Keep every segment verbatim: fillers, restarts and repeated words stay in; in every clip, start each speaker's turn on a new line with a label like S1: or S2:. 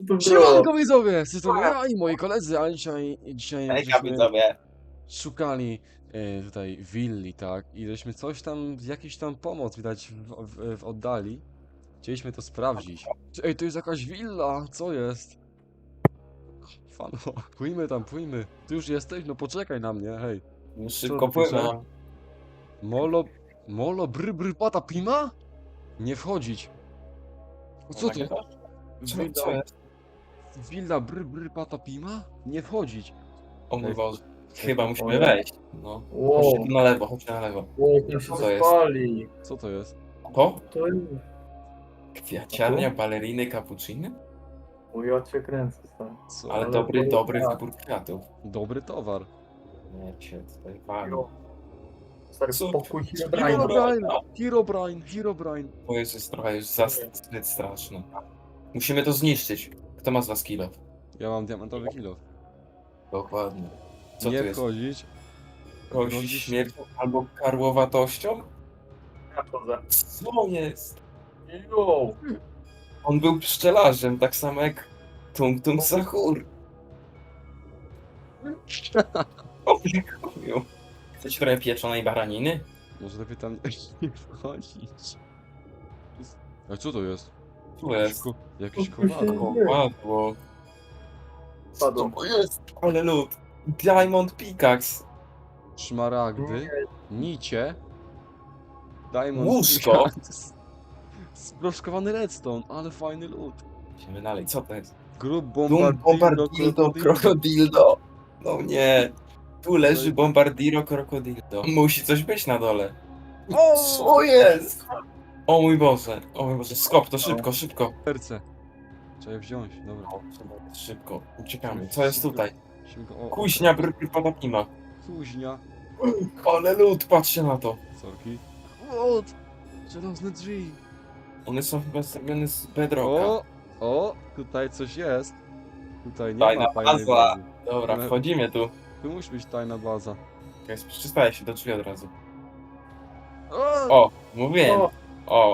S1: To było.
S2: Siemanko widzowie, z tej strony ja i moi koledzy, a dzisiaj, dzisiaj
S3: Hejka
S2: żeśmy
S3: widzowie.
S2: szukali e, tutaj willi, tak? I żeśmy coś tam, jakiś tam pomoc widać w, w, w oddali. Chcieliśmy to sprawdzić. Ej, to jest jakaś willa, co jest? Fano, pójmy tam, pójmy. Ty już jesteś? No poczekaj na mnie, hej.
S3: No
S2: Co
S3: szybko
S2: tu pisze?
S3: płynę.
S2: Molo, molo, bry, bry, pata, pima? Nie wchodzić. O, co to?
S3: Co,
S2: Willa,
S3: co jest?
S2: willa, bry, bry, pata, pima? Nie wchodzić.
S3: O mój
S2: Ej,
S3: Boże. Chyba musimy
S1: Ojej.
S3: wejść. No.
S1: Wow.
S3: Chodźcie tu na lewo, chodźcie na lewo.
S1: O, tam się
S3: Co to jest?
S1: spali.
S2: Co to jest?
S3: To?
S1: To jest.
S3: Kwiaciarnia, baleriny, cappucciny?
S1: O, ja cię kręcę, stary.
S2: Co?
S3: Ale
S1: Ale
S3: dobry,
S1: to-
S3: dobry
S1: tak.
S3: wybór kwiatów.
S2: Dobry towar.
S3: Nie, cię tutaj wali.
S1: Jo. Stary,
S3: Co?
S1: pokój się
S3: Dobra.
S1: brajna.
S2: Herobrine! Herobrine! Herobrine!
S3: To jest, jest trochę już za zbyt straszne. Musimy to zniszczyć. Kto ma z was kilo?
S2: Ja mam diamentowy kilo.
S3: Dokładnie. Co
S2: Nie
S3: tu jest?
S2: wchodzić.
S3: Grozi
S2: Grozi
S3: śmiercią albo karłowatością?
S1: Ja chodzę.
S3: Co jest?
S1: Jo.
S3: On był pszczelarzem, tak samo jak Tung Tung Sahur. O, dziękuję. Chcecie trochę pieczonej baraniny?
S2: Może lepiej tam nie wchodzić. A co to jest?
S3: Tu jest.
S2: Ko jakiś
S1: Tu się-
S2: kowadło.
S3: Kowadło. Co
S1: Padł.
S3: to jest? Ale lód. Diamond Pickaxe.
S2: Szmaragdy. Nicie. Diamond.
S3: Łóżko.
S2: Pickaxe. Sproszkowany redstone, ale fajny lód.
S3: Idziemy dalej, co to jest?
S2: Grub
S3: Dum
S2: bombardillo
S3: Bombardildo Krokodildo. No nie. Tu leży Bombardiro Krokodildo. Musi coś być na dole.
S2: O!
S3: Co jest? O mój Boże. O mój Boże. Skop to szybko, szybko.
S2: Serce. Trzeba je wziąć, dobra.
S3: O, szybko. Uciekamy. Co jest tutaj?
S2: Musimy go- o,
S3: Kuźnia brr padapima.
S2: Kuźnia.
S3: Ale lód, patrzcie na to.
S2: Sorki. Łód! Żelazne drzwi.
S3: One są chyba zrobione z bedrocka.
S2: O! O! Tutaj coś jest. Tutaj nie
S3: Tajna
S2: ma tajnej
S3: baza.
S2: bazy.
S3: Dobra,
S2: Ale-
S3: wchodzimy tu.
S2: Tu musi być tajna baza.
S3: Czekaj, przystaję się do drzwi od razu.
S2: O!
S3: O, mówiłem.
S1: O,
S3: O.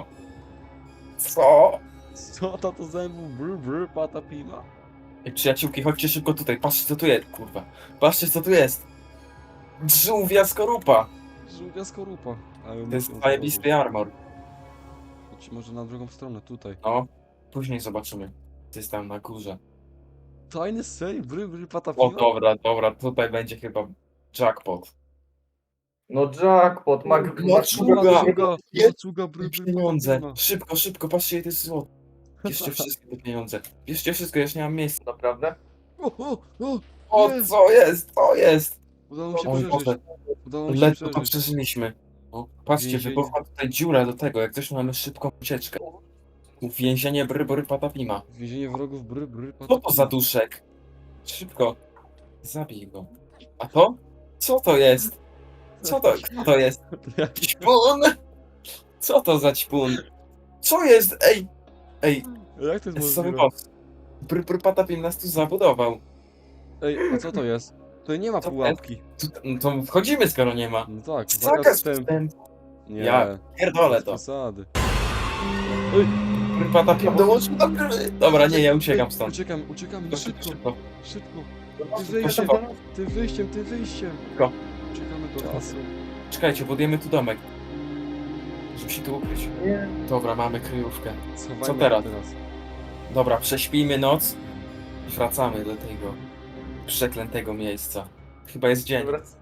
S3: Co?
S2: Co to to zębu? Brr, brr, pata pima.
S3: Ej, przyjaciółki, chodźcie szybko tutaj. Patrzcie co tu jest, kurwa. Patrzcie co tu jest. Żółwia skorupa.
S2: Żółwia skorupa. Ale
S3: To jest
S2: muszę
S3: zajebisty armor.
S2: Chodź może na drugą stronę, tutaj.
S3: No, później zobaczymy. Co jest tam na górze.
S2: Tajny sej, bry, bry, pata
S3: O,
S2: pima.
S3: dobra, dobra, tutaj będzie chyba jackpot.
S1: no jackpot, mag...
S3: No,
S1: mag-
S3: czuga.
S2: Maczuga,
S3: Jest-
S2: maczuga, bry, bry,
S3: Pieniądze.
S2: pata pima.
S3: Szybko, szybko, patrzcie ile to jest złoto. Bierzcie wszystkie te pieniądze. Bierzcie wszystko, ja już nie mam miejsca.
S1: Naprawdę?
S2: O, o, o!
S3: O,
S2: Nie.
S3: co jest? Co jest?
S2: Udało mi się
S3: O mój
S2: przeżyć.
S3: Boże,
S2: Udało mi się
S3: ledwo to
S2: przeżyć.
S3: przeżyliśmy. O, patrzcie,
S2: Więzienie.
S3: wybuchła tutaj dziura do tego, jak coś mamy szybką ucieczkę. Uwięzienie brybory patapima.
S2: Więzienie wrogów, bry, bry, pata
S3: Co to za duszek? Szybko. Zabij go. A to? Co to jest? Co to? Kto to jest?
S2: pima.
S3: Ćpun! Co to za ćpun? Co jest? Ej! Ej,
S2: Jak to jest
S3: jest cały
S2: możliwe?
S3: boss. Brybory patapim nas tu zabudował.
S2: Ej, a co to jest? Tutaj nie ma
S3: Co to
S2: pułapki.
S3: Tu, no to wchodzimy skoro nie ma.
S2: No tak,
S3: Zakaz
S2: wstępu.
S3: wstępu.
S2: Nie,
S3: Ja pierdolę
S2: bez
S3: to.
S2: przesady.
S3: Brybory patapim dołączył do gry. Dobra, nie, ja uciekam stąd.
S2: Uciekam, uciekamy, szybko,
S3: Szybko.
S2: szybko.
S1: No,
S2: Ty
S3: Szybko,
S2: wyjściem,
S3: szybko.
S2: ty wyjściem, ty wyjściem.
S3: Szybko.
S2: Uciekamy do lasu.
S3: Czekajcie, budujemy tu domek. Żeby się tu ukryć.
S1: Nie.
S3: Dobra, mamy kryjówkę.
S2: Schowajmy
S3: Co
S2: się
S3: teraz?
S2: teraz?
S3: Dobra, prześpijmy noc i wracamy do tego przeklętego miejsca. Chyba jest dzień.
S1: Wrac-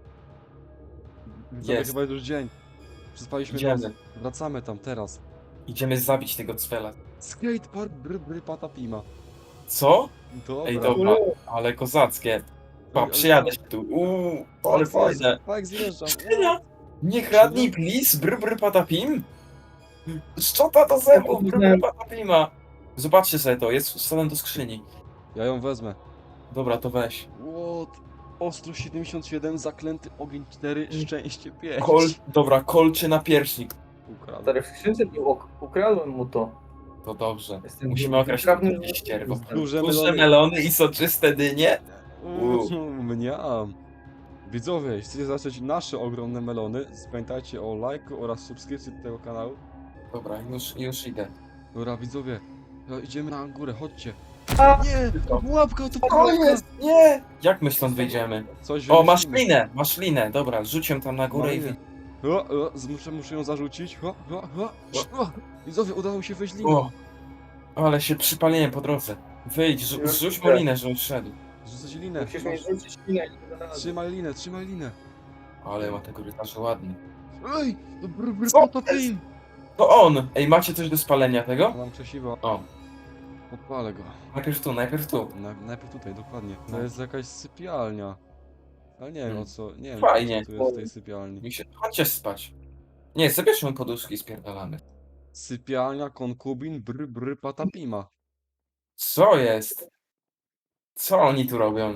S2: Widzowie,
S3: Jest.
S2: chyba już dzień. Przespaliśmy
S3: Idziemy.
S2: noc. Wracamy tam teraz.
S3: Idziemy zabić tego cwela.
S2: Skatepark bry bry pata pima.
S3: Co?
S2: Dobra.
S3: Ej, dobra, ale kozackie. Pa,
S2: ale-
S3: przyjadę się tu. Uuu, ale fajne.
S2: Tak, zjeżdżam.
S3: Skrzynia! Nie kradnij, please, br br patapim. Szczota do zębów, br br patapima. Zobaczcie sobie to, jest wstawem do skrzyni.
S2: Ja ją wezmę.
S3: Dobra, to weź.
S2: What? Ostro siedemdziesiąt siedem, zaklęty ogień cztery, szczęście pięć.
S3: Kol, dobra, kolczy na pierśnik.
S2: Ukradł.
S1: Stary, w skrzynce był, ok- ukradłem mu to.
S3: To dobrze.
S1: Jestem
S3: Musimy okraść
S1: wytrawnym-
S3: to ścierwo.
S2: Duże
S3: Duże
S2: melony.
S3: melony i soczyste dynie.
S2: Uuu, mniam. Widzowie, jeśli chcecie zobaczyć nasze ogromne melony, pamiętajcie o lajku oraz subskrypcji do tego kanału.
S3: Dobra, już, już idę.
S2: Dobra, widzowie, no, idziemy na górę, chodźcie.
S1: A,
S2: Nie! Pułapka, to
S3: O
S2: pułapka!
S3: jest! Nie! Jak my stąd wyjdziemy?
S2: Coś
S3: O, masz
S2: wymyślimy.
S3: linę, masz linę. Dobra, rzuć ją tam na górę i
S2: Malinę.
S3: wy...
S2: O, o, z- muszę, muszę ją zarzucić. O, o, o, o. Widzowie, udało mi się wejść linę.
S3: O, ale się przypaliłem po drodze. Wyjdź, rzu-
S1: Już
S3: zrzuć mu
S1: idę.
S3: linę, żeby szedł.
S2: Rzucać linę.
S1: musisz mi
S2: Masz-
S1: rzucić linę i zaraz.
S2: Trzymaj linę, trzymaj linę.
S3: Ale ma tego rytarza ładny.
S2: Ej! Br, br,
S3: Co
S2: potopij!
S3: To on! Ej, macie coś do spalenia tego?
S2: Mam krzesiwo.
S3: O,
S2: Podpalę go.
S3: najpierw tu, najpierw tu.
S2: Na, najpierw tutaj, dokładnie. To
S3: No.
S2: jest jakaś sypialnia. Ale nie wiem
S3: Hmm.
S2: o co, nie wiem
S3: Fajnie.
S2: o co tu jest w tej sypialni.
S3: Mi się... Chodźcie spać. Nie, sobie bierzmy poduszki i spierdalamy.
S2: Sypialnia konkubin br br patapima.
S3: Co jest? Co oni tu robią?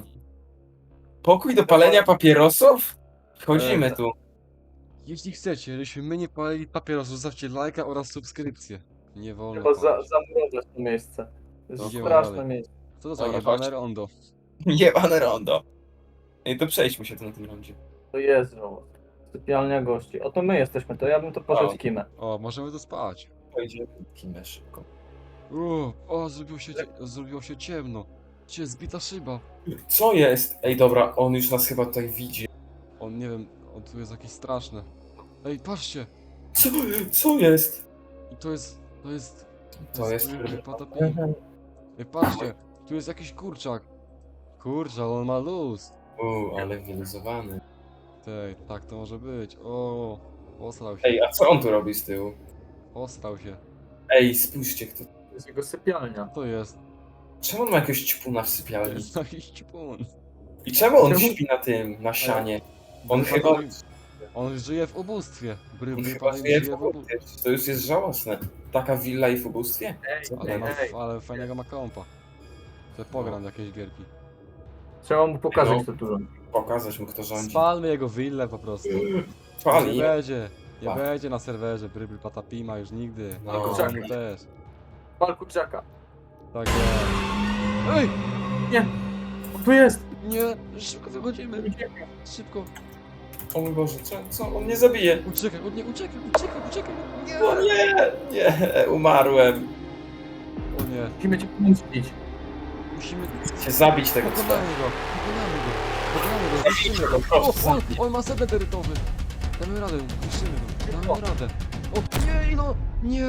S3: Pokój do palenia papierosów? Wchodzimy
S2: Eee,
S3: tu.
S2: Jeśli chcecie, żebyśmy my nie palili papierosów, zostawcie lajka oraz subskrypcję. Nie wolno
S1: Trzeba za,
S2: palić.
S1: zamurować to miejsce. To jest
S2: Idziemy
S1: straszne
S2: dalej.
S1: miejsce.
S2: Co to za
S3: Dobra,
S2: jebane
S3: chodź.
S2: rondo?
S3: Jebane rondo. Ej, to przejdźmy się tu na tym rondzie.
S1: To jest żołąd. Sypialnia gości. Oto my jesteśmy, to ja bym to poszedł
S3: O.
S1: w kimę.
S2: O, możemy tu spać.
S3: Pojedziemy kimę szybko.
S2: O, o zrobiło się, cie- zrobiło się ciemno. Gdzie zbita szyba?
S3: Co jest? Ej, dobra, on już nas chyba tutaj widzi.
S2: On, nie wiem, on tu jest jakiś straszny. Ej, patrzcie!
S3: Co, co jest?
S2: I to jest, to jest...
S3: To jest...
S2: br patapim. Ej, patrzcie! Tu jest jakiś kurczak. Kurczak, on ma luz.
S3: Uuu, ale wyluzowany.
S2: Tej, tak to może być. O, osrał się,
S3: Ej, a co on tu robi z tyłu?
S2: osrał się.
S3: Ej, spójrzcie, kto...
S1: To jest jego sypialnia.
S2: To jest.
S3: Czemu on ma jakiegoś ćpuna w
S2: To
S3: sypialni?
S2: jest jakiś ćpun.
S3: I czemu on
S1: Czemu?
S3: śpi na tym, na sianie? On
S2: Bry
S3: chyba...
S2: patapim. On żyje w ubóstwie. Bry,
S3: On
S2: bry
S3: chyba
S2: patapim
S3: żyje
S2: żyje
S3: w
S2: w ubóstwie.
S3: ubóstwie. To już jest żałosne. Taka willa i w ubóstwie?
S1: Ej,
S3: Co
S2: Ale,
S1: ej,
S2: ma,
S1: ej.
S2: ale fajnego ma kompa. To pogram w jakieś gierki.
S1: Trzeba mu pokazać
S3: No.
S1: to dużo.
S3: Pokazać mu, kto rządzi.
S2: Spalmy jego willę po prostu. Nie
S3: Pali.
S2: będzie. Nie
S3: Pa.
S2: będzie na serwerze Brybl Patapima już nigdy.
S3: No.
S2: Jego
S1: Kurczaki.
S2: domu też.
S1: Pal kurczaka.
S2: Tak jest. Ej!
S1: Tu jest!
S2: Nie! Szybko wychodzimy! Szybko!
S3: O mój Boże, co, co? On mnie zabije.
S2: Uciekaj, o nie, uciekaj, uciekaj, uciekaj! Nie!
S3: O nie, nie, umarłem.
S2: O nie,
S1: Musimy cię pomścić.
S2: musimy...
S3: Chcę zabić tego cwa.
S2: Pokonamy go! Pokonamy go! Pokonamy go, zniszczymy go! O, o, on ma set eterytowy! Damy radę, zniszczymy go, damy radę! O, nie, no! Nie!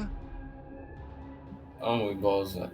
S3: O mój Boże.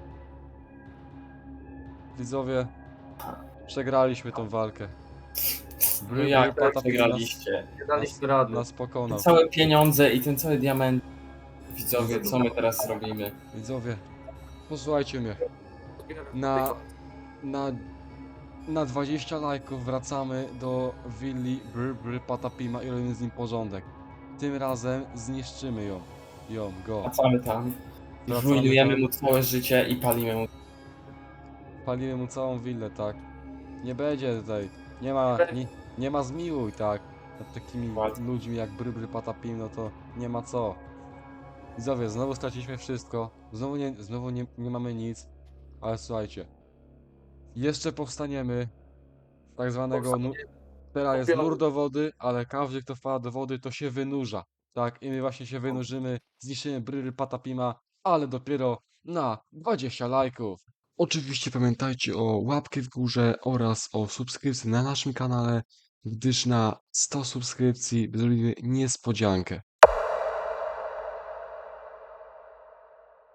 S2: Widzowie, przegraliśmy tą walkę.
S3: No jak
S2: Patapim
S3: tak przegraliście?
S1: Nie daliśmy rady.
S2: Nas
S3: Te
S2: pokonał.
S3: całe pieniądze i ten cały diament. Widzowie, co my teraz robimy?
S2: Widzowie, posłuchajcie mnie. Na, na, na dwadzieścia lajków wracamy do willi Br Br Patapima i robimy z nim porządek. Tym razem zniszczymy ją. Ją, go.
S3: Wracamy tam.
S2: Wracamy
S3: Zrujnujemy
S2: tam.
S3: mu całe życie i palimy mu.
S2: Palimy mu całą willę, tak. Nie będzie tutaj. Nie ma, nie, nie ma zmiłuj, tak. Nad takimi
S3: Ładnie.
S2: ludźmi jak Br Br Patapim, no to nie ma co. Widzowie, znowu straciliśmy wszystko. Znowu nie, znowu nie, nie mamy nic. Ale słuchajcie. Jeszcze powstaniemy. z Tak zwanego. Nu teraz jest nur do wody, ale każdy kto wpada do wody to się wynurza. Tak, i my właśnie się wynurzymy. Zniszczymy Bryry Patapima, ale dopiero na dwadzieścia lajków. Oczywiście pamiętajcie o łapkę w górze oraz o subskrypcji na naszym kanale, gdyż na sto subskrypcji zrobimy niespodziankę.